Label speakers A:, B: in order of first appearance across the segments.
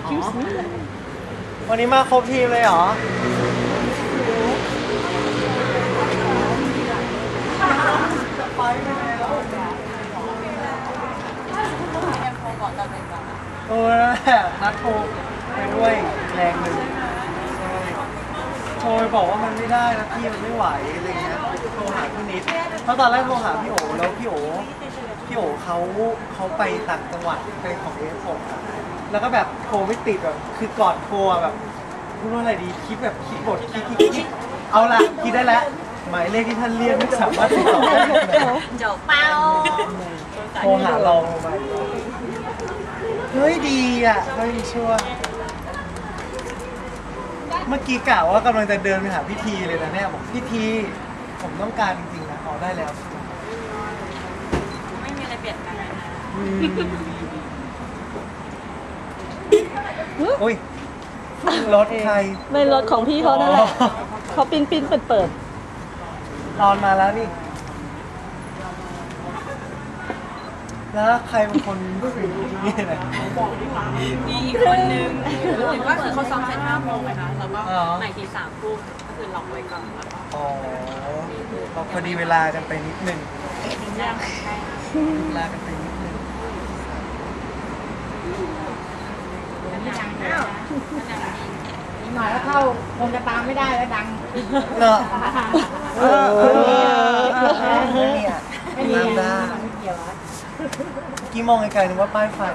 A: วันนี้มาครบทีมเลยเหรอไปแล้วนั่นแหละนัดโทรไปด้วยแรงหนึ่งโทรไปบอกว่ามันไม่ได้นะพี่มันไม่ไหวอะไรเงี้ยโทรหาพี่นิดเพราะตอนแรกโทรหาพี่โอแล้วพี่โอเขาไปต่างจังหวัดไปของเอฟผมแล้วก็แบบโทรไม่ติดแบบคือก่อนโทรแบบพูดว่าอะไรดีคิดแบบคิดบทคิดเอาละคิดได้แล้วหมายเลขที่ท่านเรียกไม่สามารถติดต่อได้
B: จบเป้า
A: โทรหาเราไปเฮ้ยดีอ่ะเฮ้ยชั่วเมื่อกี้กะว่ากำลังจะเดินไปหาพี่ทีเลยนะเนี่ยบอกพี่ทีผมต้องการจริงๆนะขอได้แล้ว
B: ไม่มีอะไรเปลี่ยนแปลงนะ
A: อุ้ยรถใคร
C: ไม่รถของพี่เขานั่นแหละเขาปิ้นเปิด
A: ตอนมาแล้วนี่แล้วใครเป็นคนนี่นะ
B: มีอีกคนนึงเห็นว่าคือเขาซ้อมเสร็จ5 โมงนะคะแล้วก็ใหม่ที3 ทุ่มก็คือล็อกไว้ก่อนแล้วก็
A: อ๋อพอดีเวลากันไปนิดนึงเวลากันไปนิดนึง
D: หน่อยแล้วเข้าคงจะตามไม่ได้แล้วดัง
A: เนอะไม่มีได้กี่มองไกลๆนึกว่าป้ายไฟ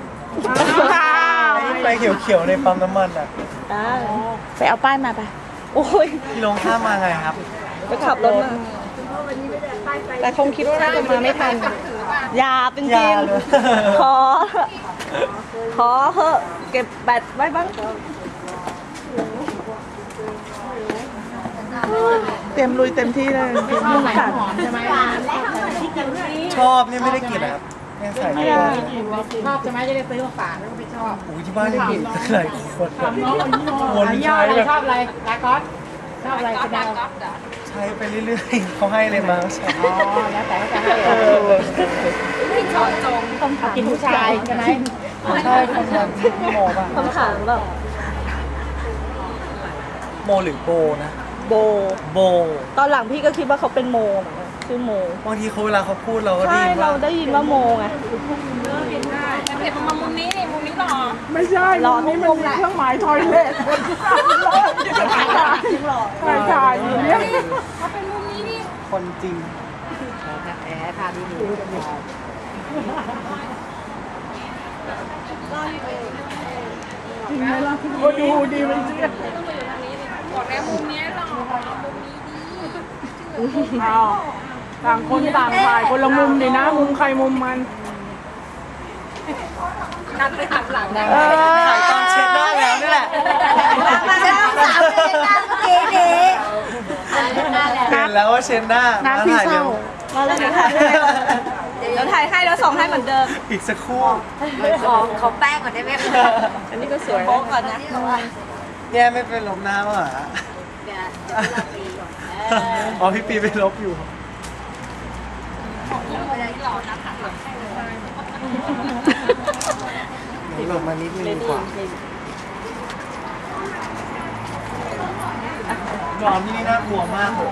A: ไฟเขียวๆในปั๊มน้ำมันอ่ะ
C: ไปเอาป้ายมาไปโอ้ย
A: พี่ลงข้ามมาไงครับ
C: ไปขับรถมาแต่คงคิดว่าน่าจะมาไม่ทันอย่าเป็นจริงขอเหอะเก็บแบตไว้บ้างเต็มลุยเต็มที่เลย
D: ลูกไหนหอมใช่ไหม
A: ชอบนี่ไม่ได้กินนะครับแค่ใส่
D: ชอบใช่ไหมจะได้ซื้อมาฝากแล้วก็ไม่ชอบ
A: ที่บ้านได้กินหลายคน
D: วนใช้แบบชอบอะไรลาคอสชอบอะไรก็ได้
A: ใช้ไปเรื่อยๆเขาให้เลยมาใช่
D: อ๋อแล้วแต่ก็จะให้
B: ชอบจง
D: กินผู้ชายใช่ไหม
A: ใช่คนนั้นโมป่ะ
C: คำถามแบบ
A: โมหรือโบนะโบ
C: ตอนหลังพี่ก็คิดว่าเขาเป็นโมเหมือนกันชื่อโม
A: บางทีเขาเวลาเขาพูดเราก็
C: ได้เราได้ยินว่าโมไง
B: แต่เห็นมามุมนี้หรอ
D: ไม่ใช่รอนี่มันมีเครื่องหมายทอยเล็ตคนถ่ายอย่างเงี้ย
B: เขาเป็นมุมนี้นี่
A: คนจริง
D: แอบทานดีจริงไหมล่ะก็ดูดีมันจริง
B: บอกแล้วมุมนี้หรอมุมนี้ดี
D: ต่างคนต่างถ่ายคนละมุมดีนะมุมใครมุมมัน
B: นัดไปหักหลัง
A: ถ่ายตอนเช็ดหน้าแล้วนี่แหละ
B: มาแล้ว3 เดือนเมื่อกี้นี้
A: เห็นแล้วว่าเช็ดหน้า
C: พี่เศร้ามาแล้วถ่ายแล้วถ่ายให้แล้วส่งให้เหมือนเดิม
A: อีกสักครู่
B: ขอแป้งก่อนได้ไหม
C: อันนี้ก็สวยโป๊ก่อนนะ
A: แย่ไม่เป็นลบหน้าเหรออ๋อพี่ปีไปลบอยู่หลบมานิดนึงดีกว่านอนที่นี่น่ากลัวมากเลย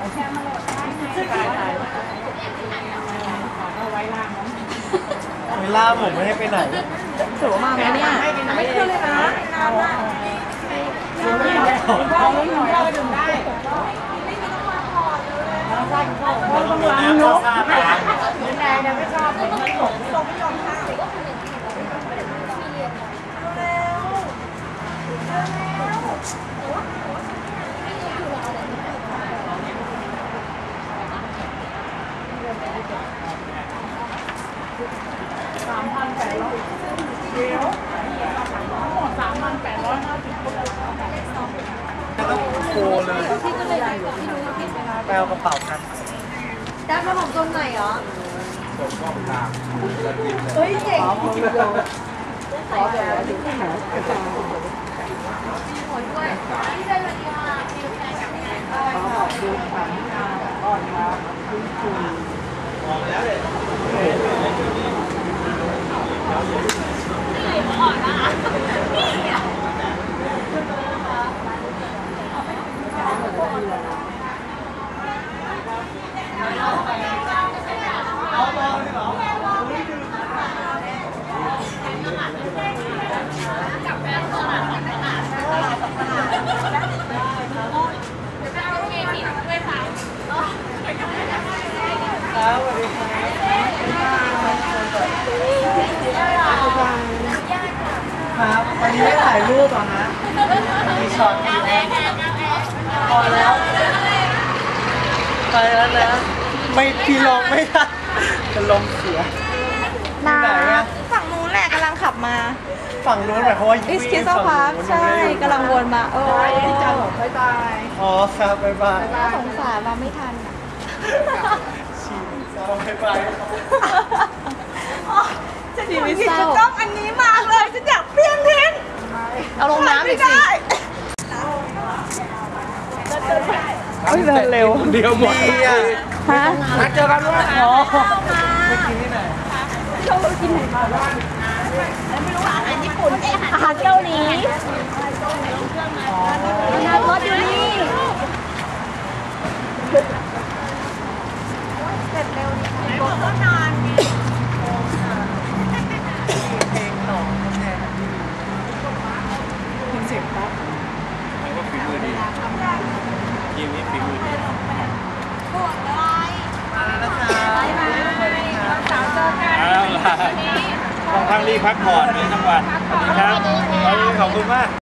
A: เวลาผมไม่ให้ไปไหน
C: สวยมากเลยเนี่ยไม่ขึ้นเลยนะ
D: เอาไม่หน่อยเราดื่มได้คนกำลังนกแดงเนี่ยไม่ชอบไม่ยอมข้าวเดี๋ยวทั้งหมด3,850 คน
A: ต้องโคเลยแปลกระเป๋ากัน
B: ได้มาผมตรงไหนเหรอเฮ้ยเจ๋งขอแบบที่ไหนหัวด้วยที่ได้เลยค่ะ
D: ขอบคุณค่ะอ่อนมาคุณ
B: อ่อนนะคะ
A: ครับวันนี้ไม่ถ่ายรูปเหรอฮะมีช็อตอยู่พอแล้วไปแล้วนะไม่พี่ลงไม่ได้จะลมเสีย
C: นา
A: ไหนอะ
C: ฝั่งนู้นแหละกำลังขับมา
A: ฝั่งนู้นหมายความว่า
C: อิสคิสพาร์คใช่กำลังวนมาโอ้ย
D: พี่เจ้าบอกบ๊ายบาย
A: อ๋อครับบ๊ายบาย
C: น่าสงสารมาไม่ทันอะ
A: ชีวิตเราบ๊ายบาย
C: ชีวิตเศร้าต้องอันนี้มากเลยฉันอยากเปลี่ยนทิ้งเอาลงน้ำอีกสิเฮ้ยเดินเร็ว
A: เดียวหมดอ่ะ
C: ฮะ
A: นัดเจอกันด้วยอ๋อไปกินที่ไหน
C: อาหารเกาหลีน้ำรถอยู่นี่เสร็จเร็วดีค่ะรถก็นาน
A: เพลงหนองแทน
E: ก็ฝีมือดีทีมนี้ฝีมือดี
A: มาแล้วนะคะสวัสดีครับ
E: เอาล่ะต้องพักรีบพักผ่อนในจังหวัดสวัสดีครับขอบคุณมาก